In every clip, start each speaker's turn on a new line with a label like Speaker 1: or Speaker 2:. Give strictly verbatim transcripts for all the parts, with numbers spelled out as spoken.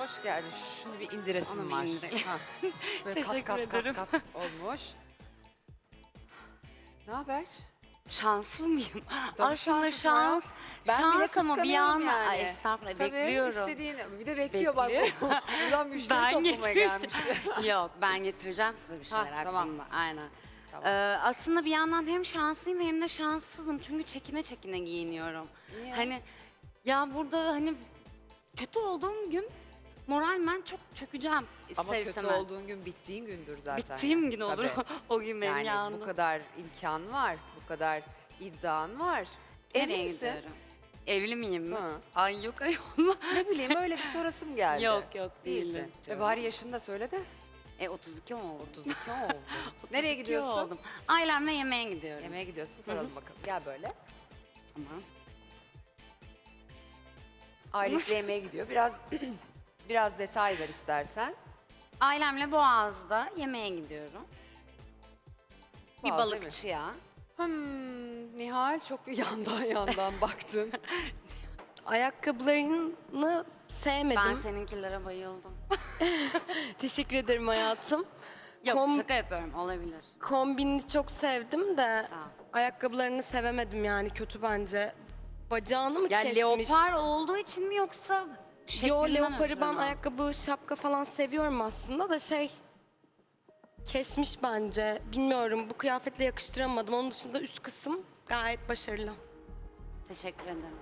Speaker 1: Hoş geldin. Şunu bir indiresim
Speaker 2: Onu bir
Speaker 1: var.
Speaker 2: indirelim.
Speaker 1: Ha. Böyle
Speaker 2: Teşekkür
Speaker 1: kat kat
Speaker 2: ederim.
Speaker 1: kat kat olmuş. Ne haber?
Speaker 2: Şanslı mıyım?
Speaker 1: Tabii
Speaker 2: Aslında
Speaker 1: şanslısın ya.
Speaker 2: şans,
Speaker 1: Ben bile
Speaker 2: şans ama bir
Speaker 1: kıskanıyorum
Speaker 2: anda...
Speaker 1: yani.
Speaker 2: Ay estağfurullah,
Speaker 1: Tabii,
Speaker 2: bekliyorum.
Speaker 1: istediğini. Bir de bekliyor
Speaker 2: Bekliyor.
Speaker 1: bak. Buradan müşteri
Speaker 2: Ben
Speaker 1: toplamaya gelmiş.
Speaker 2: Yok, ben getireceğim size bir şeyler
Speaker 1: Ha, tamam.
Speaker 2: aklımda. Aynen.
Speaker 1: Tamam.
Speaker 2: Ee, aslında bir yandan hem şanslıyım hem de şanssızım. Çünkü çekine çekine giyiniyorum.
Speaker 1: Niye?
Speaker 2: Hani ya burada hani kötü olduğum gün moralmen çok çökeceğim ister
Speaker 1: Ama kötü
Speaker 2: istemez.
Speaker 1: olduğun gün bittiğin gündür zaten.
Speaker 2: Bittiğim
Speaker 1: yani.
Speaker 2: gün olur
Speaker 1: Tabii.
Speaker 2: o gün benim
Speaker 1: Yani
Speaker 2: yanımda.
Speaker 1: bu kadar imkan var, bu kadar iddian var. Evli
Speaker 2: Nereye
Speaker 1: misin?
Speaker 2: gidiyorum? Evli miyim mi?
Speaker 1: Hı.
Speaker 2: Ay yok ayol.
Speaker 1: Ne bileyim öyle bir sorasım geldi.
Speaker 2: Yok, yok,
Speaker 1: Değilsin.
Speaker 2: değilim.
Speaker 1: E bari yaşını da söyle de.
Speaker 2: E otuz iki oldu.
Speaker 1: otuz iki oldu. Nereye
Speaker 2: otuz iki
Speaker 1: gidiyorsun?
Speaker 2: oldum. Ailemle yemeğe gidiyorum.
Speaker 1: Yemeğe gidiyorsun, soralım bakalım. Gel böyle.
Speaker 2: Tamam.
Speaker 1: Ailesiyle yemeğe gidiyor. Biraz biraz detay ver istersen.
Speaker 2: Ailemle Boğaz'da yemeğe gidiyorum. Bir
Speaker 1: Boğaz değil mi?
Speaker 2: balıkçıya.
Speaker 1: Hmm, Nihal çok bir yandan yandan baktın.
Speaker 3: Ayakkabılarını sevmedim.
Speaker 2: Ben seninkilere bayıldım.
Speaker 3: Teşekkür ederim hayatım.
Speaker 2: Yok
Speaker 3: Kom-
Speaker 2: şaka yapıyorum, olabilir.
Speaker 3: Kombinini çok sevdim de
Speaker 2: Sağ ol.
Speaker 3: ayakkabılarını sevemedim yani kötü bence. Bacağını mı
Speaker 2: Ya
Speaker 3: kesmiş?
Speaker 2: leopar olduğu için mi yoksa
Speaker 3: Yo
Speaker 2: şeklinden
Speaker 3: leoparı
Speaker 2: ötürü
Speaker 3: ben
Speaker 2: mü?
Speaker 3: ayakkabı, şapka falan seviyorum aslında da şey kesmiş bence. Bilmiyorum bu kıyafetle yakıştıramadım. Onun dışında üst kısım gayet başarılı.
Speaker 2: Teşekkür ederim.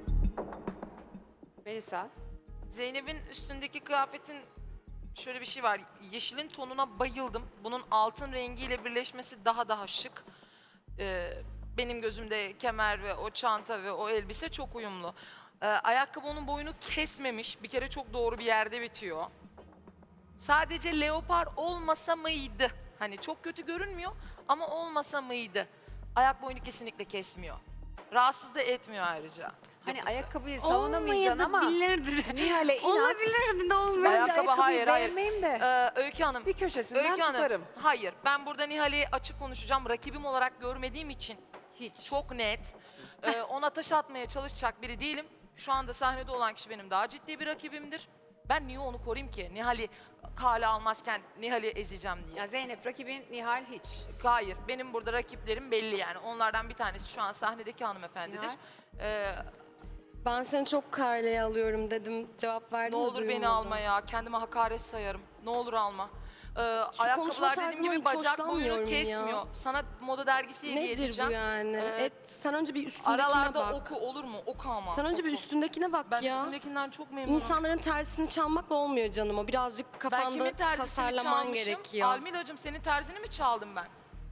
Speaker 1: Melisa.
Speaker 4: Zeynep'in üstündeki kıyafetin şöyle bir şey var. Yeşilin tonuna bayıldım. Bunun altın rengiyle birleşmesi daha daha şık. Ee, benim gözümde kemer ve o çanta ve o elbise çok uyumlu. Ee, ayakkabı onun boyunu kesmemiş. Bir kere çok doğru bir yerde bitiyor. Sadece leopar olmasa mıydı? Hani çok kötü görünmüyor ama olmasa mıydı? Ayak boyunu kesinlikle kesmiyor. Rahatsız da etmiyor ayrıca.
Speaker 1: Hani
Speaker 4: yapısı.
Speaker 1: ayakkabıyı savunamayacaksın ama
Speaker 2: Olmayabilirdi.
Speaker 1: Nihal'e inat.
Speaker 2: Olabilirdi de olmayabilirdi.
Speaker 1: Ben de
Speaker 4: Ayakkabı,
Speaker 1: ayakkabıyı
Speaker 4: hayır, hayır.
Speaker 1: beğenmeyeyim de
Speaker 4: Ee, Öykü Hanım.
Speaker 1: bir köşesinden
Speaker 4: Öykü Hanım,
Speaker 1: tutarım.
Speaker 4: hayır. Ben burada Nihal'i açık konuşacağım. Rakibim olarak görmediğim için
Speaker 1: Hiç.
Speaker 4: çok net. Ee, ona taş atmaya çalışacak biri değilim. Şu anda sahnede olan kişi benim daha ciddi bir rakibimdir. Ben niye onu koruyayım ki? Nihal'i kale almazken Nihal'i ezeceğim diye.
Speaker 1: Ya Zeynep rakibin Nihal hiç.
Speaker 4: Hayır, benim burada rakiplerim belli yani. Onlardan bir tanesi şu an sahnedeki hanımefendidir.
Speaker 1: Nihal?
Speaker 4: Ee,
Speaker 3: Ben seni çok karleye alıyorum dedim. Cevap verdin
Speaker 4: ne
Speaker 3: mi,
Speaker 4: olur beni
Speaker 3: duyulmadı.
Speaker 4: alma ya. Kendime hakaret sayarım. Ne olur alma. Ee,
Speaker 3: konuşma
Speaker 4: ayakkabılar dediğim
Speaker 3: tarzından
Speaker 4: gibi
Speaker 3: hiç
Speaker 4: bacak boyunu
Speaker 3: hoşlanmıyorum ya.
Speaker 4: kesmiyor. Sana moda dergisi hediye
Speaker 3: Nedir
Speaker 4: edeceğim.
Speaker 3: bu yani?
Speaker 4: Ee,
Speaker 3: Et, sen önce bir üstündekine
Speaker 4: Aralarda
Speaker 3: bak.
Speaker 4: oku olur mu? Oku ama.
Speaker 3: Sen önce bir
Speaker 4: oku.
Speaker 3: üstündekine bak
Speaker 4: Ben
Speaker 3: ya.
Speaker 4: üstündekinden çok memnunum.
Speaker 3: İnsanların tersini çalmakla olmuyor canım o. Birazcık
Speaker 4: ben
Speaker 3: kafanda
Speaker 4: kimin terzisini
Speaker 3: tasarlaman
Speaker 4: çalmışım?
Speaker 3: gerekiyor.
Speaker 4: Almilacığım senin terzini mi çaldım ben?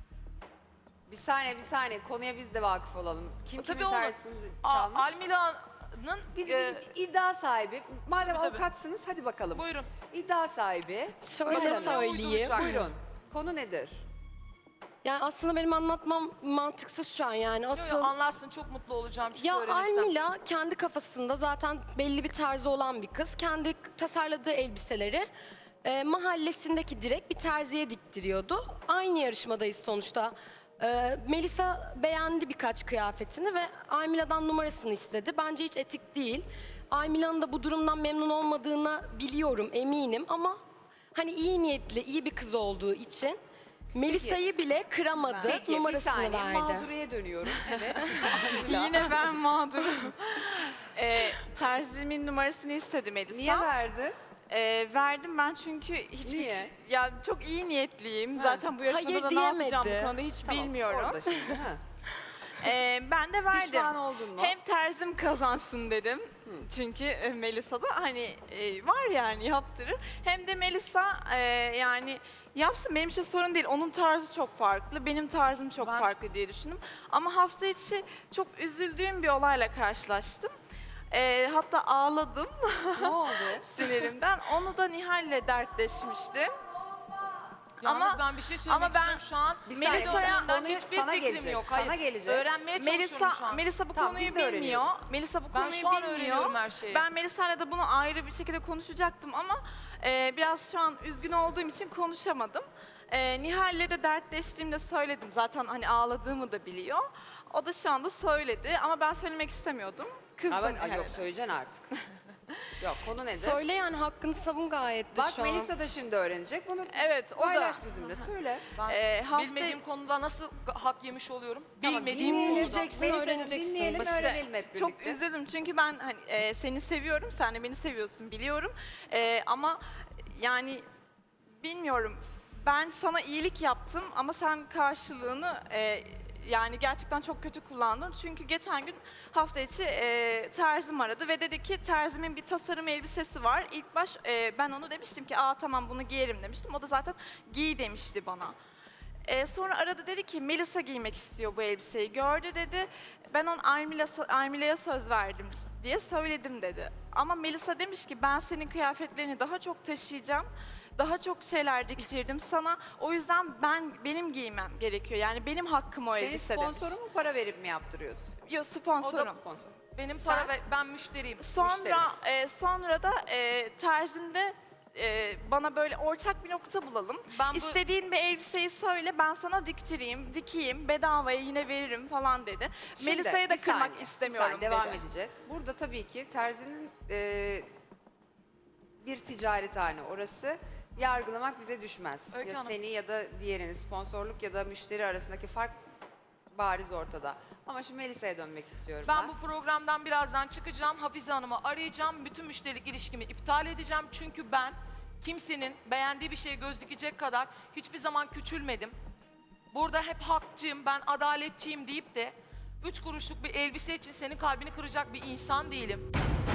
Speaker 1: Bir saniye bir saniye konuya biz de vakıf olalım. Kim
Speaker 4: Tabii
Speaker 1: kimin
Speaker 4: olur.
Speaker 1: tersini
Speaker 4: Aa,
Speaker 1: çalmış?
Speaker 4: Almila'nın...
Speaker 1: Bir,
Speaker 4: e,
Speaker 1: bir iddia sahibi. Madem
Speaker 4: Tabii, tabii.
Speaker 1: avukatsınız hadi bakalım.
Speaker 4: buyurun.
Speaker 1: İddia sahibi.
Speaker 3: Şöyle
Speaker 1: Bakalım ne
Speaker 3: söyleyeyim.
Speaker 4: uyduracak?
Speaker 1: Buyurun. Konu nedir?
Speaker 3: Yani aslında benim anlatmam mantıksız şu an yani.
Speaker 4: Yo,
Speaker 3: Asıl
Speaker 4: yo, anlatsın çok mutlu olacağım çünkü
Speaker 3: ya
Speaker 4: öğrenirsem.
Speaker 3: Almila kendi kafasında zaten belli bir tarzı olan bir kız. Kendi tasarladığı elbiseleri e, mahallesindeki direkt bir terziye diktiriyordu. Aynı yarışmadayız sonuçta. E, Melisa beğendi birkaç kıyafetini ve Almila'dan numarasını istedi. Bence hiç etik değil. Almila'nın da bu durumdan memnun olmadığını biliyorum, eminim ama hani iyi niyetli, iyi bir kız olduğu için Melisa'yı bile kıramadı,
Speaker 1: Peki bir
Speaker 3: numarasını
Speaker 1: saniye
Speaker 3: verdi.
Speaker 1: mağduriyeye dönüyorum. Evet.
Speaker 5: Yine ben mağdurum. ee, terzimin numarasını istedi Melisa.
Speaker 1: Niye verdin?
Speaker 5: Ee, verdim ben çünkü hiçbir
Speaker 1: Niye?
Speaker 5: ya çok iyi niyetliyim.
Speaker 1: Ha.
Speaker 5: Zaten bu yarışmada
Speaker 3: Hayır
Speaker 5: da ne yapacağım
Speaker 3: diyemedi.
Speaker 5: bu konuda hiç
Speaker 1: Tamam,
Speaker 5: bilmiyorum.
Speaker 1: Orada şimdi. Ha.
Speaker 5: Ee, ben de verdim.
Speaker 1: Pişman oldun mu?
Speaker 5: Hem terzim kazansın dedim. Çünkü e, Melisa da hani e, var yani yaptırır. Hem de Melisa e, yani yapsın benim için sorun değil. Onun tarzı çok farklı, benim tarzım çok
Speaker 4: Ben-
Speaker 5: farklı diye düşündüm. Ama hafta içi çok üzüldüğüm bir olayla karşılaştım. E, hatta ağladım
Speaker 1: Ne oldu?
Speaker 5: sinirimden. Onu da Nihal'le dertleşmiştim.
Speaker 4: Yalnız
Speaker 5: Ama-
Speaker 4: ben bir şey söylemek
Speaker 5: ama ben-
Speaker 4: istiyorum şu an.
Speaker 1: Bir
Speaker 5: Melisa'ya-
Speaker 1: saniye,
Speaker 4: Melisa'ya
Speaker 1: konuyu
Speaker 4: hiçbir
Speaker 1: sana
Speaker 4: fikrim
Speaker 1: gelecek.
Speaker 4: yok.
Speaker 1: Sana
Speaker 4: Hayır.
Speaker 1: gelecek.
Speaker 4: Öğrenmeye çalışıyorum
Speaker 5: Melisa,
Speaker 4: şu an.
Speaker 5: Melisa bu
Speaker 1: Tamam,
Speaker 5: konuyu
Speaker 1: biz de
Speaker 5: bilmiyor.
Speaker 1: öğreniyoruz.
Speaker 5: Melisa bu
Speaker 4: Ben
Speaker 5: konuyu
Speaker 4: şu an
Speaker 5: bilmiyor.
Speaker 4: öğreniyorum her şeyi.
Speaker 5: Ben Melisa'yla da bunu ayrı bir şekilde konuşacaktım ama e, biraz şu an üzgün olduğum için konuşamadım. E, Nihal'le de dertleştiğimde söyledim. Zaten hani ağladığımı da biliyor. O da şu anda söyledi ama ben söylemek istemiyordum. Kızdım
Speaker 1: Ama ay
Speaker 5: Nihal'e.
Speaker 1: yok söyleyeceksin artık. Yok, konu nedir?
Speaker 3: Söyle yani, hakkını savun gayet de
Speaker 1: Bak
Speaker 3: şu an.
Speaker 1: Melisa da şimdi öğrenecek. Bunu
Speaker 5: Evet, o da.
Speaker 1: paylaş bizimle. Söyle.
Speaker 4: Ben
Speaker 5: Ee, hafta-
Speaker 4: bilmediğim konuda nasıl hak yemiş oluyorum?
Speaker 1: Tamam,
Speaker 4: Bilmediğim
Speaker 1: dinleyelim.
Speaker 4: konuda.
Speaker 3: Bileceksin,
Speaker 1: Melisa'cığım,
Speaker 3: öğreneceksin.
Speaker 1: dinleyelim,
Speaker 3: Basit.
Speaker 1: öğrenelim hep birlikte.
Speaker 5: Çok üzüldüm çünkü ben hani e, seni seviyorum, sen de beni seviyorsun biliyorum. E, ama yani bilmiyorum, ben sana iyilik yaptım ama sen karşılığını e, yani gerçekten çok kötü kullandın. Çünkü geçen gün hafta içi e, terzim aradı ve dedi ki terzimin bir tasarım elbisesi var. İlk baş e, ben onu demiştim ki aa tamam bunu giyerim demiştim. O da zaten giy demişti bana. Ee, sonra aradı, dedi ki Melisa giymek istiyor bu elbiseyi. Gördü dedi. Ben ona Almila, Almila'ya söz verdim diye söyledim dedi. Ama Melisa demiş ki ben senin kıyafetlerini daha çok taşıyacağım. Daha çok şeyler diktirdim sana. O yüzden ben benim giymem gerekiyor. Yani benim hakkım o
Speaker 1: Senin
Speaker 5: elbise demiş.
Speaker 1: sponsoru mu, para verip mi yaptırıyorsun?
Speaker 5: Yok, sponsorum.
Speaker 1: Sponsor.
Speaker 4: Benim
Speaker 1: Sen-
Speaker 4: para ver, ben müşteriyim.
Speaker 5: Sonra
Speaker 1: Müşterisi.
Speaker 5: e, sonra da e, terzimde e, bana böyle ortak bir nokta bulalım.
Speaker 4: Ben bu-
Speaker 5: İstediğin bir elbiseyi söyle, ben sana diktireyim, dikeyim, bedavaya yine veririm falan dedi.
Speaker 1: Şimdi,
Speaker 5: Melisa'yı da
Speaker 1: bir
Speaker 5: kırmak
Speaker 1: saniye,
Speaker 5: istemiyorum
Speaker 1: bir saniye,
Speaker 5: dedi.
Speaker 1: devam edeceğiz. Burada tabii ki terzinin e, bir ticarethane orası. Yargılamak bize düşmez.
Speaker 4: Öykü
Speaker 1: ya
Speaker 4: Hanım.
Speaker 1: seni ya da diğerini, sponsorluk ya da müşteri arasındaki fark bariz ortada. Ama şimdi Melisa'ya dönmek istiyorum ben.
Speaker 4: Ben bu programdan birazdan çıkacağım. Hafize Hanım'ı arayacağım. Bütün müşterilik ilişkimi iptal edeceğim. Çünkü ben kimsenin beğendiği bir şeye göz dikecek kadar hiçbir zaman küçülmedim. Burada hep hakçıyım, ben adaletçiyim deyip de üç kuruşluk bir elbise için senin kalbini kıracak bir insan değilim.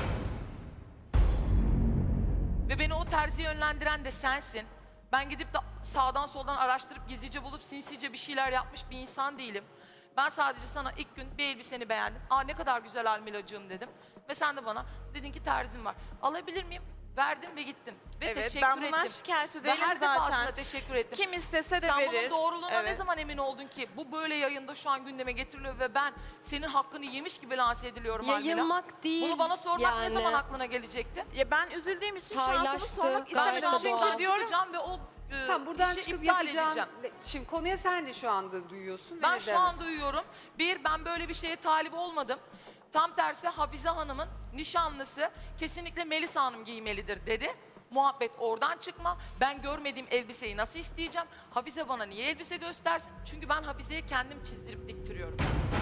Speaker 4: Ve beni o terziye yönlendiren de sensin. Ben gidip de sağdan soldan araştırıp gizlice bulup sinsice bir şeyler yapmış bir insan değilim. Ben sadece sana ilk gün bir elbiseni beğendim. Aa ne kadar güzel Almilacığım dedim. Ve sen de bana dedin ki terzim var. Alabilir miyim? Verdim ve gittim. Ve
Speaker 5: Evet,
Speaker 4: teşekkür
Speaker 5: ben bundan
Speaker 4: ettim.
Speaker 5: şikayetçi
Speaker 4: Ve
Speaker 5: değilim
Speaker 4: her defasında
Speaker 5: zaten.
Speaker 4: teşekkür ettim.
Speaker 5: Kim istese de
Speaker 4: Sen
Speaker 5: verir.
Speaker 4: bunun doğruluğuna ne
Speaker 5: Evet.
Speaker 4: zaman emin oldun ki? Bu böyle yayında şu an gündeme getiriliyor ve ben senin hakkını yemiş gibi lanse ediliyorum Almila.
Speaker 3: Yayılmak değil
Speaker 4: Bunu bana sormak ne
Speaker 3: yani.
Speaker 4: zaman aklına gelecekti?
Speaker 5: Ya ben üzüldüğüm için şu an sana
Speaker 3: Paylaştı,
Speaker 5: sormak
Speaker 4: Ben
Speaker 3: gayet
Speaker 4: şu an
Speaker 5: istemedim.
Speaker 3: doğal.
Speaker 4: buradan
Speaker 5: Çünkü diyorum
Speaker 4: çıkacağım ve o e,
Speaker 1: Tamam, buradan
Speaker 4: işi
Speaker 1: çıkıp
Speaker 4: iptal
Speaker 1: yapacağın...
Speaker 4: edeceğim.
Speaker 1: Şimdi konuya sen de şu anda duyuyorsun.
Speaker 4: Ben
Speaker 1: ve
Speaker 4: şu
Speaker 1: de-
Speaker 4: an duyuyorum. Bir, ben böyle bir şeye talip olmadım. Tam tersi Hafize Hanım'ın nişanlısı kesinlikle Melisa Hanım giymelidir dedi. Muhabbet oradan çıkma. Ben görmediğim elbiseyi nasıl isteyeceğim? Hafize bana niye elbise göstersin? Çünkü ben Hafize'ye kendim çizdirip diktiriyorum.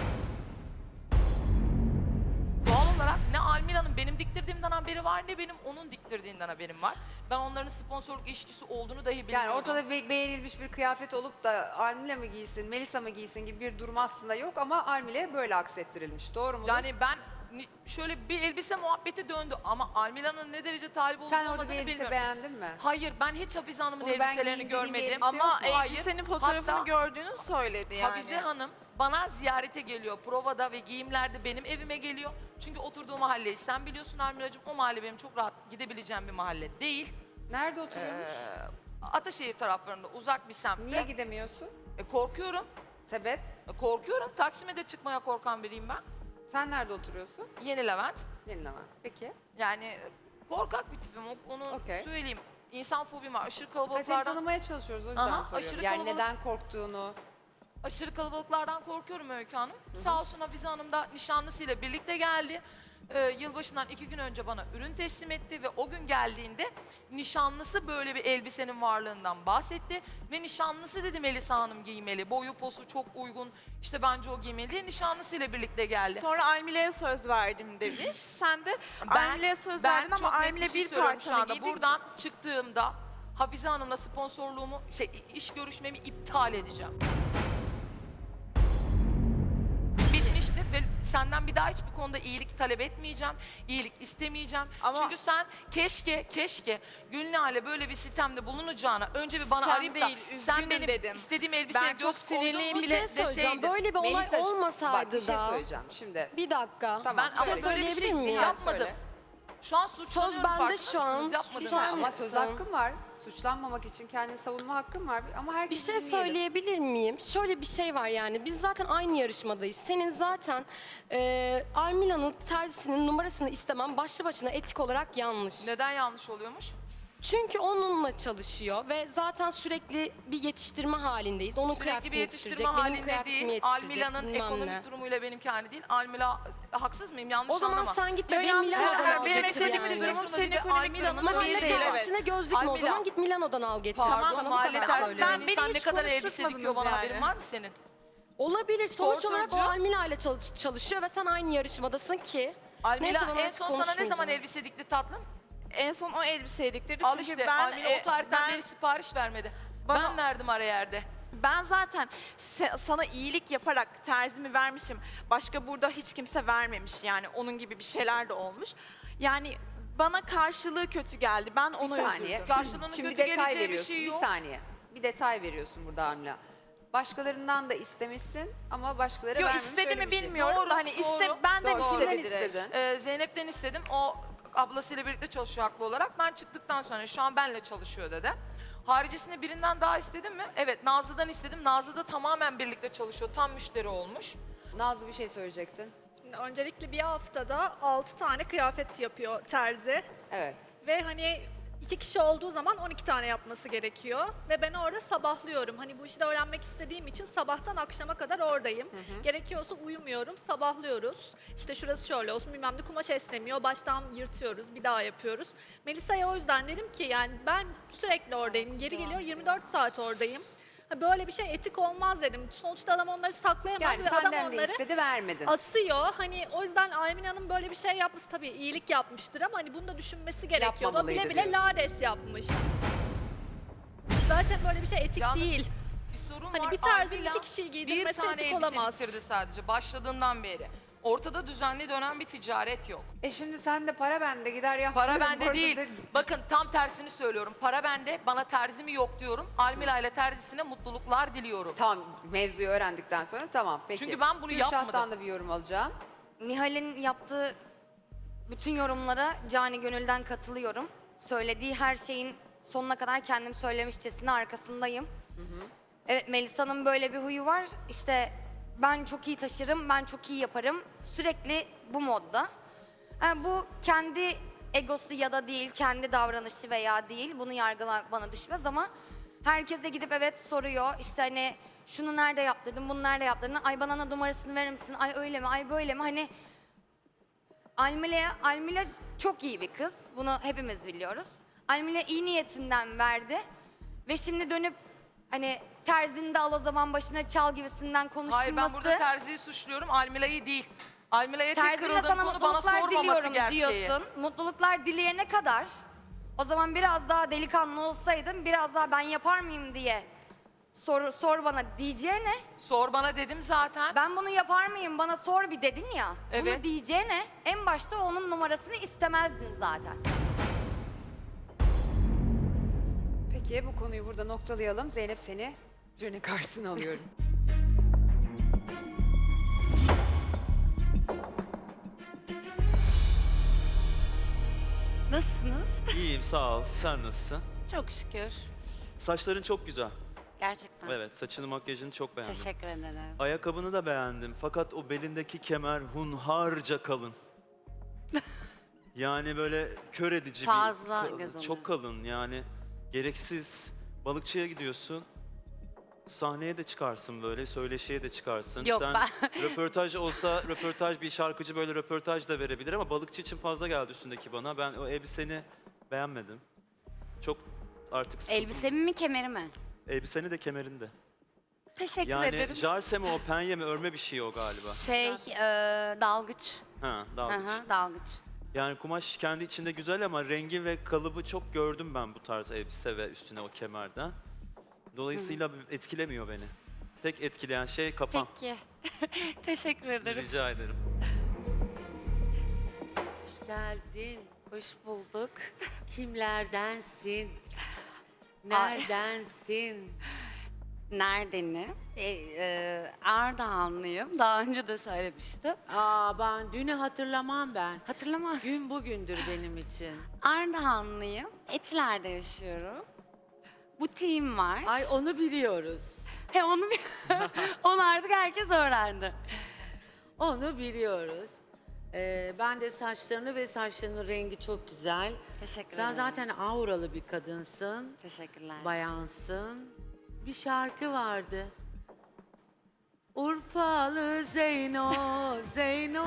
Speaker 4: Doğal olarak ne Almila'nın benim diktirdiğimden haberi var ne benim onun diktirdiğinden haberim var. Ben onların sponsorluk ilişkisi olduğunu dahi bilmiyorum.
Speaker 1: Yani ortada be- beğenilmiş bir kıyafet olup da Almila mı giysin, Melisa mı giysin gibi bir durum aslında yok ama Almile'ye böyle aksettirilmiş. Doğru mu?
Speaker 4: Yani ben ni- şöyle bir elbise muhabbeti döndü ama Almila'nın ne derece talip olduğunu
Speaker 1: Sen orada bir
Speaker 4: olmadığını
Speaker 1: elbise
Speaker 4: bilmiyorum.
Speaker 1: beğendin mi?
Speaker 4: Hayır, ben hiç Hafize Hanım'ın
Speaker 1: Bunu ben
Speaker 4: elbiselerini
Speaker 1: giyeyim dediğim bir
Speaker 4: görmedim.
Speaker 1: elbise
Speaker 5: Ama
Speaker 1: yok mu?
Speaker 4: Hayır.
Speaker 5: elbisenin fotoğrafını
Speaker 4: Hatta
Speaker 5: gördüğünü söyledi yani.
Speaker 4: Hafize Hanım bana ziyarete geliyor. Provada ve giyimlerde benim evime geliyor. Çünkü oturduğu mahalleyi sen biliyorsun Almila'cığım. O mahalle benim çok rahat gidebileceğim bir mahalle değil.
Speaker 1: Nerede oturuyormuş?
Speaker 4: Ee, Ataşehir taraflarında uzak bir semtte.
Speaker 1: Niye gidemiyorsun?
Speaker 4: E, korkuyorum.
Speaker 1: Sebep?
Speaker 4: E, korkuyorum. Taksim'e de çıkmaya korkan biriyim ben.
Speaker 1: Sen nerede oturuyorsun?
Speaker 4: Yeni Levent.
Speaker 1: Yenileme. Peki.
Speaker 4: Yani e, korkak bir tipim. o- Onu
Speaker 1: Okey.
Speaker 4: söyleyeyim. İnsan fobim var. Aşırı
Speaker 1: Ha, seni
Speaker 4: kalabalıklardan,
Speaker 1: tanımaya çalışıyoruz o yüzden
Speaker 4: Aha,
Speaker 1: soruyorum.
Speaker 4: aşırı
Speaker 1: Yani
Speaker 4: kalabalık-
Speaker 1: neden korktuğunu.
Speaker 4: aşırı kalabalıklardan korkuyorum Öykü Hanım. Sağ olsun Hafize Hanım da nişanlısıyla birlikte geldi. Ee, yılbaşından iki gün önce bana ürün teslim etti ve o gün geldiğinde nişanlısı böyle bir elbisenin varlığından bahsetti. Ve nişanlısı dedi Melisa Hanım giymeli. Boyu posu çok uygun. İşte bence o giymeli diye nişanlısıyla birlikte geldi.
Speaker 5: Sonra Almile'ye söz verdim demiş. Sen de
Speaker 4: Ben-
Speaker 5: Almile'ye söz
Speaker 4: ben
Speaker 5: verdin ama
Speaker 4: çok net
Speaker 5: Almile
Speaker 4: şey
Speaker 5: bir
Speaker 4: söylüyorum şu
Speaker 5: parçanı
Speaker 4: anda.
Speaker 5: giydi.
Speaker 4: Buradan çıktığımda Hafize Hanım'la sponsorluğumu, şey, iş görüşmemi iptal edeceğim. Bitmişti ve senden bir daha hiçbir konuda iyilik talep etmeyeceğim, iyilik istemeyeceğim.
Speaker 5: Ama-
Speaker 4: Çünkü sen keşke, keşke Gülnihal'e böyle bir sistemde bulunacağına önce bir bana
Speaker 5: Sistem
Speaker 4: arayıp da
Speaker 5: değil,
Speaker 4: sen
Speaker 5: üzgünüm
Speaker 4: benim
Speaker 5: dedim.
Speaker 4: istediğim elbiseye
Speaker 5: Ben çok
Speaker 4: göz koydun
Speaker 5: sinirliyim
Speaker 4: mu
Speaker 3: Bir
Speaker 5: bile
Speaker 3: şey söyleyeceğim.
Speaker 4: deseydin.
Speaker 3: Böyle bir olay
Speaker 1: Melisa'cığım,
Speaker 3: olmasaydı
Speaker 1: bak bir şey
Speaker 3: da.
Speaker 1: söyleyeceğim şimdi.
Speaker 3: Bir dakika.
Speaker 1: Tamam.
Speaker 4: Ben
Speaker 3: Bir şey
Speaker 4: ama böyle bir
Speaker 3: söyleyebilir
Speaker 4: şey
Speaker 3: miyim?
Speaker 4: yapmadım.
Speaker 1: Söyle.
Speaker 4: Şu an suçlanıyorum,
Speaker 3: Söz bende
Speaker 4: farkında
Speaker 3: şu an.
Speaker 4: mısınız? Yapmadım.
Speaker 3: Susar
Speaker 4: ben.
Speaker 1: Ama söz
Speaker 3: mısın?
Speaker 1: hakkın var. Suçlanmamak için kendini savunma hakkın var. Ama
Speaker 3: Bir
Speaker 1: herkes
Speaker 3: şey söyleyebilir miyim? Şöyle bir şey var yani. Biz zaten aynı yarışmadayız. Senin zaten e, Almila'nın terzisinin numarasını istemem başlı başına etik olarak yanlış.
Speaker 4: Neden yanlış oluyormuş?
Speaker 3: Çünkü onunla çalışıyor ve zaten sürekli bir yetiştirme halindeyiz. Onun
Speaker 4: Sürekli bir
Speaker 3: kıyafetini
Speaker 4: yetiştirme
Speaker 3: yetiştirecek, benim
Speaker 4: halinde
Speaker 3: kıyafetimi
Speaker 4: değil.
Speaker 3: yetiştirecek.
Speaker 4: Almila'nın
Speaker 3: bilmem
Speaker 4: ekonomik
Speaker 3: ne.
Speaker 4: durumuyla benimki aynı değil. Almila haksız mıyım? Yanlış
Speaker 3: O zaman
Speaker 4: anlama.
Speaker 3: sen git
Speaker 5: Yo,
Speaker 3: bebeğim
Speaker 5: yanlış
Speaker 3: Milano'dan
Speaker 5: anlama.
Speaker 3: al
Speaker 5: Benim
Speaker 3: getir
Speaker 5: ekonomik
Speaker 3: yani.
Speaker 5: durumum senin
Speaker 4: Değil,
Speaker 5: ekonomik
Speaker 4: Almila'nın
Speaker 5: durumun
Speaker 3: Mahalle
Speaker 5: bir değil. Evet.
Speaker 3: terzisine gözlük mü o
Speaker 4: Almila.
Speaker 3: zaman? Git Milano'dan al getir.
Speaker 4: Pardon,
Speaker 3: Sana bu
Speaker 4: mahalle
Speaker 3: kadar
Speaker 4: tersinde
Speaker 3: söylüyorum.
Speaker 5: Ben- beni
Speaker 4: insan ne
Speaker 5: hiç
Speaker 4: kadar elbise
Speaker 5: konuşturtmadınız
Speaker 4: dikiyor bana
Speaker 5: yani.
Speaker 4: haberin var mı senin?
Speaker 3: Olabilir. Sonuç olarak o
Speaker 4: Sportacı.
Speaker 3: Almila ile çalış- çalışıyor ve sen aynı yarışmadasın ki.
Speaker 4: Almila
Speaker 3: Neyse, ben
Speaker 4: en
Speaker 3: artık
Speaker 4: son sana ne zaman
Speaker 3: konuşmayacağım.
Speaker 4: elbise dikti tatlım?
Speaker 5: En son o elbiseyi diktirdi.
Speaker 4: Al
Speaker 5: Çünkü
Speaker 4: işte
Speaker 5: ben,
Speaker 4: Almila
Speaker 5: e,
Speaker 4: o tarihten
Speaker 5: ben-
Speaker 4: beri sipariş vermedi.
Speaker 5: Bana-
Speaker 4: Ben verdim ara yerde.
Speaker 5: Ben zaten se- sana iyilik yaparak terzimi vermişim. Başka burada hiç kimse vermemiş yani onun gibi bir şeyler de olmuş. Yani bana karşılığı kötü geldi. Ben
Speaker 1: Bir
Speaker 5: ona
Speaker 1: saniye.
Speaker 5: üzüldüm.
Speaker 4: Karşılığının
Speaker 1: Şimdi
Speaker 4: kötü
Speaker 1: detay
Speaker 4: geleceği bir
Speaker 1: veriyorsun.
Speaker 4: şey
Speaker 1: Bir
Speaker 4: yok.
Speaker 1: saniye. Bir detay veriyorsun burada Amla. Başkalarından da istemişsin ama başkaları
Speaker 5: Yo
Speaker 1: vermemiş.
Speaker 5: istedi
Speaker 1: öyle
Speaker 5: mi
Speaker 1: bir şey.
Speaker 5: bilmiyorum
Speaker 4: Doğru,
Speaker 5: da hani
Speaker 4: doğru,
Speaker 5: iste benden
Speaker 1: Doğru. Kimden
Speaker 5: istedi direkt.
Speaker 1: istedin?
Speaker 4: Ee, Zeynep'ten istedim. O ablasıyla birlikte çalışıyor haklı olarak. Ben çıktıktan sonra şu an benle çalışıyor dedi. Haricisinde birinden daha istedim mi? Evet, Nazlı'dan istedim. Nazlı da tamamen birlikte çalışıyor. Tam müşteri olmuş.
Speaker 1: Nazlı bir şey söyleyecektin.
Speaker 6: Şimdi öncelikle bir haftada altı tane kıyafet yapıyor terzi.
Speaker 1: Evet.
Speaker 6: Ve hani iki kişi olduğu zaman on iki tane yapması gerekiyor. Ve ben orada sabahlıyorum. Hani bu işi de öğrenmek istediğim için sabahtan akşama kadar oradayım. Gerekiyorsa uyumuyorum, sabahlıyoruz. İşte şurası şöyle olsun bilmem ne kumaş esnemiyor. Baştan yırtıyoruz, bir daha yapıyoruz. Melisa'ya o yüzden dedim ki yani ben sürekli oradayım. Geri geliyor yirmi dört saat oradayım. Ha, böyle bir şey etik olmaz dedim. Sonuçta adam onları saklayamaz
Speaker 1: Yani
Speaker 6: ve adam
Speaker 1: senden de
Speaker 6: onları
Speaker 1: istedi vermedin.
Speaker 6: asıyor. Hani o yüzden Almina'nın böyle bir şey yapması tabii iyilik yapmıştır ama hani bunu da düşünmesi gerekiyordu. O
Speaker 1: Yapmamalıydı
Speaker 6: bile bile
Speaker 1: diyorsun.
Speaker 6: lades yapmış. Zaten böyle bir şey etik
Speaker 4: Yalnız
Speaker 6: değil.
Speaker 4: Bir sorun
Speaker 6: Hani
Speaker 4: var.
Speaker 6: bir terzinin
Speaker 4: Almila
Speaker 6: iki kişiyi
Speaker 4: bir
Speaker 6: giydirmesi
Speaker 4: tane
Speaker 6: etik
Speaker 4: elbise
Speaker 6: olamaz.
Speaker 4: diktirdi sadece başladığından beri. Ortada düzenli dönen bir ticaret yok.
Speaker 1: E şimdi sen de para bende gider yaptırırım.
Speaker 4: Para bende
Speaker 1: burada
Speaker 4: değil.
Speaker 1: da-
Speaker 4: Bakın tam tersini söylüyorum. Para bende, bana terzi mi yok diyorum. Almila ile terzisine mutluluklar diliyorum.
Speaker 1: Tamam, mevzuyu öğrendikten sonra tamam peki.
Speaker 4: Çünkü ben bunu
Speaker 1: Gülşah'tan
Speaker 4: yapmadım.
Speaker 1: da bir yorum alacağım.
Speaker 7: Nihal'in yaptığı bütün yorumlara cani gönülden katılıyorum. Söylediği her şeyin sonuna kadar kendim söylemişçesine arkasındayım. Evet, Melisa'nın böyle bir huyu var. İşte ben çok iyi taşırım, ben çok iyi yaparım. Sürekli bu modda. Yani bu kendi egosu ya da değil, kendi davranışı veya değil. Bunu yargılamak bana düşmez ama herkese gidip evet soruyor. İşte hani şunu nerede yaptırdın, bunu nerede yaptırdın? Ay bana numarasını verir misin? Ay öyle mi? Ay böyle mi? Hani Almila, Almila çok iyi bir kız. Bunu hepimiz biliyoruz. Almila iyi niyetinden verdi. Ve şimdi dönüp hani terzini de al o zaman başına çal gibisinden konuşulması.
Speaker 4: Hayır ben burada terziyi suçluyorum, Almila'yı değil. Almila'ya tek
Speaker 7: Terzine
Speaker 4: kırıldığım
Speaker 7: sana
Speaker 4: konu bana
Speaker 7: mutluluklar
Speaker 4: sormaması
Speaker 7: diliyorum
Speaker 4: gerçeği.
Speaker 7: diyorsun. Mutluluklar dileyene kadar o zaman biraz daha delikanlı olsaydın biraz daha ben yapar mıyım diye sor, sor bana diyeceğine
Speaker 4: Sor bana dedim zaten.
Speaker 7: ben bunu yapar mıyım bana sor bir dedin ya.
Speaker 4: Evet.
Speaker 7: Bunu diyeceğine en başta onun numarasını istemezdin zaten.
Speaker 1: Peki bu konuyu burada noktalayalım. Zeynep seni jüri karşısına alıyorum.
Speaker 2: Nasılsınız?
Speaker 8: İyiyim sağ ol. Sen nasılsın?
Speaker 2: Çok şükür.
Speaker 8: Saçların çok güzel.
Speaker 2: Gerçekten.
Speaker 8: Evet, saçını makyajını çok beğendim.
Speaker 2: Teşekkür ederim.
Speaker 8: Ayakkabını da beğendim. Fakat o belindeki kemer hunharca kalın. Yani böyle kör edici
Speaker 2: Fazla
Speaker 8: bir ka-
Speaker 2: göz
Speaker 8: çok
Speaker 2: oluyor.
Speaker 8: kalın yani. Gereksiz. Balıkçıya gidiyorsun. Sahneye de çıkarsın böyle, söyleşiye de çıkarsın.
Speaker 2: Yok,
Speaker 8: Sen
Speaker 2: ben-
Speaker 8: röportaj olsa röportaj bir şarkıcı böyle röportaj da verebilir ama balıkçı için fazla geldi üstündeki bana. Ben o elbiseni beğenmedim. Çok artık sıkıldım.
Speaker 2: Elbisemi mi kemeri mi?
Speaker 8: Elbiseni de kemerinde.
Speaker 2: Teşekkür
Speaker 8: Yani
Speaker 2: ederim.
Speaker 8: jarse mi o penye mi örme bir şey o galiba.
Speaker 2: Şey, e, dalgıç.
Speaker 8: Ha
Speaker 2: Hı
Speaker 8: dalgıç.
Speaker 2: hı, dalgıç.
Speaker 8: Yani kumaş kendi içinde güzel ama rengi ve kalıbı çok gördüm ben bu tarz elbise ve üstüne o kemerden. Dolayısıyla etkilemiyor beni. Tek etkileyen şey kafam.
Speaker 2: Peki. Teşekkür ederim.
Speaker 8: Rica ederim.
Speaker 9: Hoş geldin.
Speaker 2: Hoş bulduk.
Speaker 9: Kimlerdensin? Neredensin?
Speaker 2: Neredeni? E, e, Ardahanlıyım. Daha önce de söylemiştim.
Speaker 9: Aa ben dünü hatırlamam ben.
Speaker 2: Hatırlamaz.
Speaker 9: Gün bugündür benim için.
Speaker 2: Ardahanlıyım. Etiler'de yaşıyorum. Butiğim var.
Speaker 9: Ay onu biliyoruz.
Speaker 2: He onu bi- onu artık herkes öğrendi.
Speaker 9: Onu biliyoruz. Ee, ben de saçlarını ve saçlarının rengi çok güzel.
Speaker 2: Teşekkür
Speaker 9: Sen
Speaker 2: ederim.
Speaker 9: zaten auralı bir kadınsın,
Speaker 2: Teşekkürler.
Speaker 9: bayansın. Bir şarkı vardı. Urfalı Zeyno, Zeyno.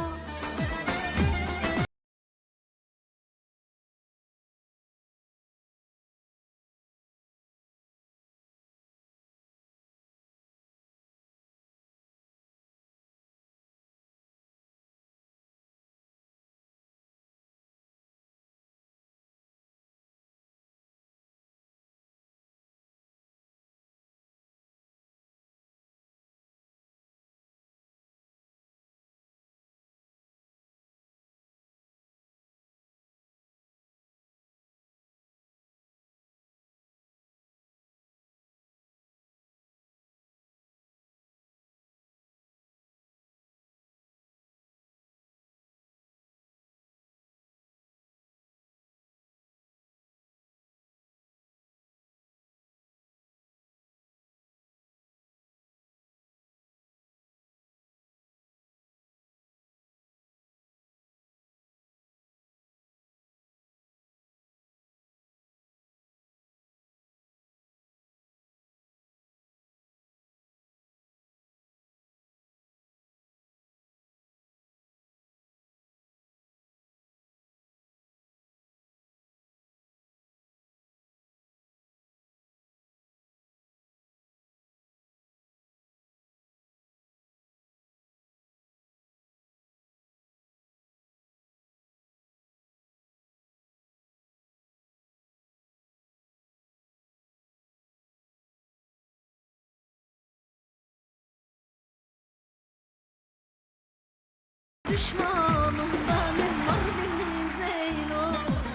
Speaker 10: Düşmanım benim Mardin Zeyno.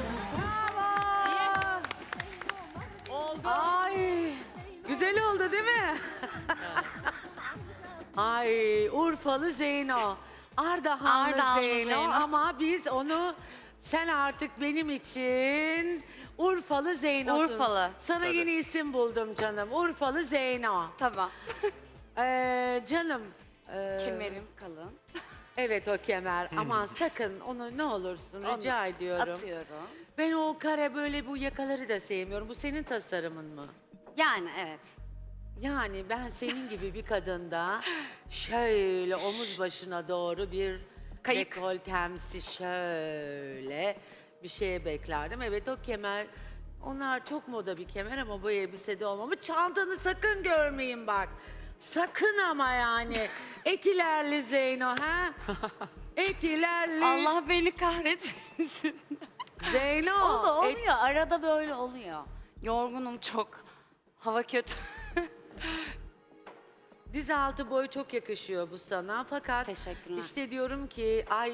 Speaker 9: Ay, güzel oldu değil mi? Ay, Urfalı Zeyno. Ardahanlı
Speaker 2: Ardahanlı
Speaker 9: Zeyno,
Speaker 2: Zeyno.
Speaker 9: ama biz onu, sen artık benim için Urfalı Zeyno'sun.
Speaker 2: Urfalı.
Speaker 9: Sana yeni isim buldum canım. Urfalı Zeyno.
Speaker 2: Tamam.
Speaker 9: Ee, canım. e,
Speaker 2: Kemerim kalın.
Speaker 9: Evet, o kemer. Aman sakın onu ne olursun rica ediyorum.
Speaker 2: Atıyorum.
Speaker 9: Ben o kare böyle bu yakaları da sevmiyorum. Bu senin tasarımın mı?
Speaker 2: Yani evet.
Speaker 9: Yani ben senin gibi bir kadında şöyle omuz başına doğru bir
Speaker 2: Kayık.
Speaker 9: dekoltemsi şöyle bir şeye beklerdim. Evet, o kemer, onlar çok moda bir kemer ama bu elbisede olmamı. Çantanı sakın görmeyin bak. Sakın ama yani. Etilerli Zeyno ha? Etilerli
Speaker 2: Allah beni kahretmesin.
Speaker 9: Zeyno.
Speaker 2: O da
Speaker 9: et-
Speaker 2: oluyor. Arada böyle oluyor. Yorgunum çok. Hava kötü.
Speaker 9: Diz altı boy çok yakışıyor bu sana, fakat
Speaker 2: Teşekkürler.
Speaker 9: işte diyorum ki ay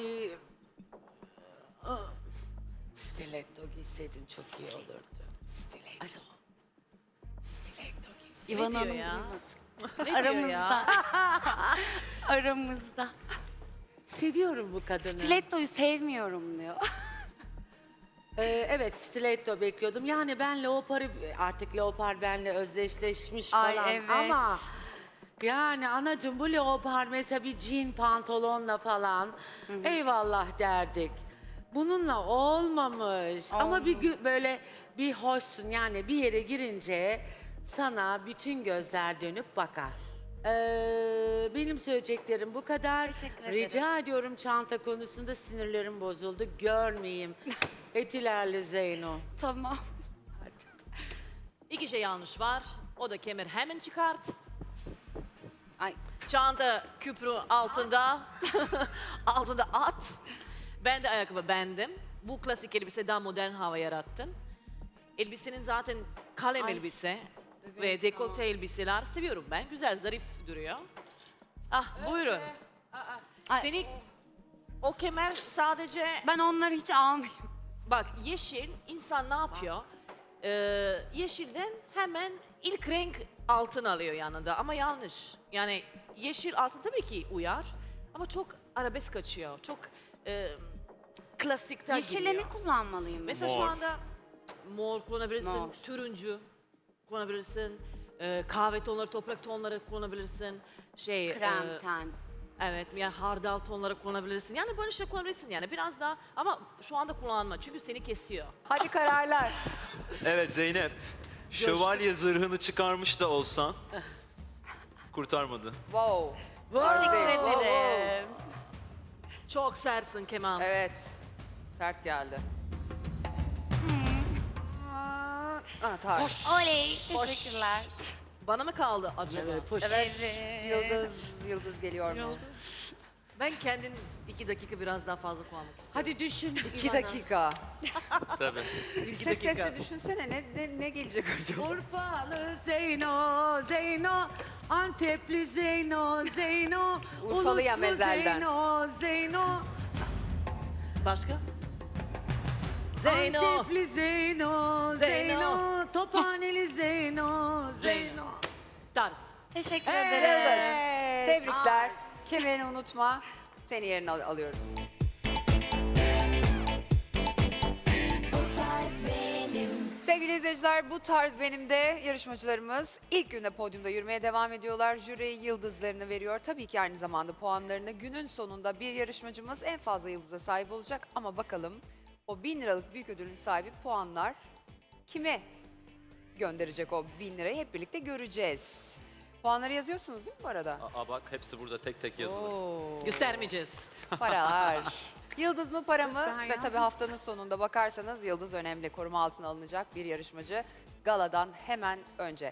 Speaker 9: ıı, stiletto giyseydin çok iyi olurdu. Stiletto. Stiletto giyseydin.
Speaker 2: İvan Hanım
Speaker 10: ya?
Speaker 2: duymasın.
Speaker 10: Ne diyor
Speaker 2: Aramızda.
Speaker 10: ya?
Speaker 2: Aramızda.
Speaker 9: Seviyorum bu kadını.
Speaker 2: Stiletto'yu sevmiyorum diyor.
Speaker 9: Ee, evet, stiletto bekliyordum. Yani ben leoparı, artık leopar benle özdeşleşmiş
Speaker 2: Ay,
Speaker 9: falan
Speaker 2: evet.
Speaker 9: ama yani anacığım, bu leopar mesela bir jean pantolonla falan eyvallah derdik. Bununla olmamış. Ama bir gü- böyle bir hoşsun, yani bir yere girince sana bütün gözler dönüp bakar. Ee, benim söyleyeceklerim bu kadar.
Speaker 2: Teşekkür ederim.
Speaker 9: Rica ediyorum, çanta konusunda sinirlerim bozuldu. Görmeyeyim. Etilerli Zeyno.
Speaker 2: Tamam.
Speaker 10: İki şey yanlış var. O da kemer hemen çıkart.
Speaker 2: Ay.
Speaker 10: Çanta küprü altında. altında at. Ben de ayakkabı bendim. Bu klasik elbise daha modern hava yarattın. Elbisenin zaten kalem
Speaker 2: Ay.
Speaker 10: elbise
Speaker 2: Bebeğim
Speaker 10: ve
Speaker 2: sağ ol.
Speaker 10: dekolte elbiseler seviyorum ben. Güzel, zarif duruyor. Ah, buyurun.
Speaker 2: Ay.
Speaker 10: Seni o kemer sadece...
Speaker 2: Ben onları hiç almayayım.
Speaker 10: Bak, yeşil insan ne yapıyor? Ee, yeşilden hemen ilk renk altın alıyor yanında, ama yanlış. Yani yeşil altın tabii ki uyar ama çok arabesk kaçıyor. Çok e, klasikten
Speaker 2: Yeşile
Speaker 10: giriyor.
Speaker 2: ne kullanmalıyım?
Speaker 10: Mesela şu
Speaker 8: Mor.
Speaker 10: anda mor kullanabilirsin,
Speaker 2: Mor.
Speaker 10: turuncu kullanabilirsin, e, kahve tonları, toprak tonları kullanabilirsin. Şey,
Speaker 2: Krem,
Speaker 10: e,
Speaker 2: ten.
Speaker 10: Evet, yani hardal tonları kullanabilirsin. Yani böyle şey kullanabilirsin yani biraz daha ama şu anda kullanma çünkü seni kesiyor.
Speaker 1: Hadi kararlar.
Speaker 8: Evet Zeynep. Şövalye zırhını çıkarmış da olsan kurtarmadı.
Speaker 1: Wow.
Speaker 2: Teşekkür
Speaker 1: Wow.
Speaker 2: ederim.
Speaker 10: Çok sertsin Kemal.
Speaker 1: Evet. Sert geldi. Aa, tarz.
Speaker 2: Oley. Teşekkürler.
Speaker 10: Bana mı kaldı acaba?
Speaker 9: Evet, fış.
Speaker 1: Evet. Yıldız, Yıldız geliyor mu?
Speaker 11: Ben kendin iki dakika biraz daha fazla kullanmak istiyorum.
Speaker 9: Hadi düşün.
Speaker 1: İki dakika.
Speaker 8: Tabii.
Speaker 1: Yüksek sesle düşünsene ne, ne, ne gelecek acaba?
Speaker 9: Urfalı Zeyno, Zeyno, Antepli Zeyno, Zeyno,
Speaker 1: Urfalı ya
Speaker 9: Uluslu
Speaker 1: mezelden.
Speaker 9: Zeyno, Zeyno,
Speaker 10: Başka? Zeyno.
Speaker 9: Antepli Zeyno,
Speaker 10: Zeyno.
Speaker 9: Zeyno, Tophaneli Zeyno, Zeyno.
Speaker 10: Tarz.
Speaker 2: Teşekkür
Speaker 1: Yıldız.
Speaker 2: ederim.
Speaker 1: Tebrikler. Kemerini unutma. Seni yerine al- alıyoruz. Sevgili izleyiciler, bu tarz benim de yarışmacılarımız ilk günde podyumda yürümeye devam ediyorlar. Jüri yıldızlarını veriyor. Tabii ki aynı zamanda puanlarını. Günün sonunda bir yarışmacımız en fazla yıldıza sahip olacak. Ama bakalım o bin liralık büyük ödülün sahibi puanlar kime gönderecek o bin lirayı hep birlikte göreceğiz. Puanları yazıyorsunuz değil mi bu arada?
Speaker 8: Aa bak hepsi burada tek tek yazılı.
Speaker 1: Oo.
Speaker 10: Göstermeyeceğiz.
Speaker 1: Paralar. Yıldız mı para mı?
Speaker 9: ben
Speaker 1: Ve tabii
Speaker 9: yazdım.
Speaker 1: haftanın sonunda bakarsanız Yıldız önemli. Koruma altına alınacak bir yarışmacı. Galadan hemen önce.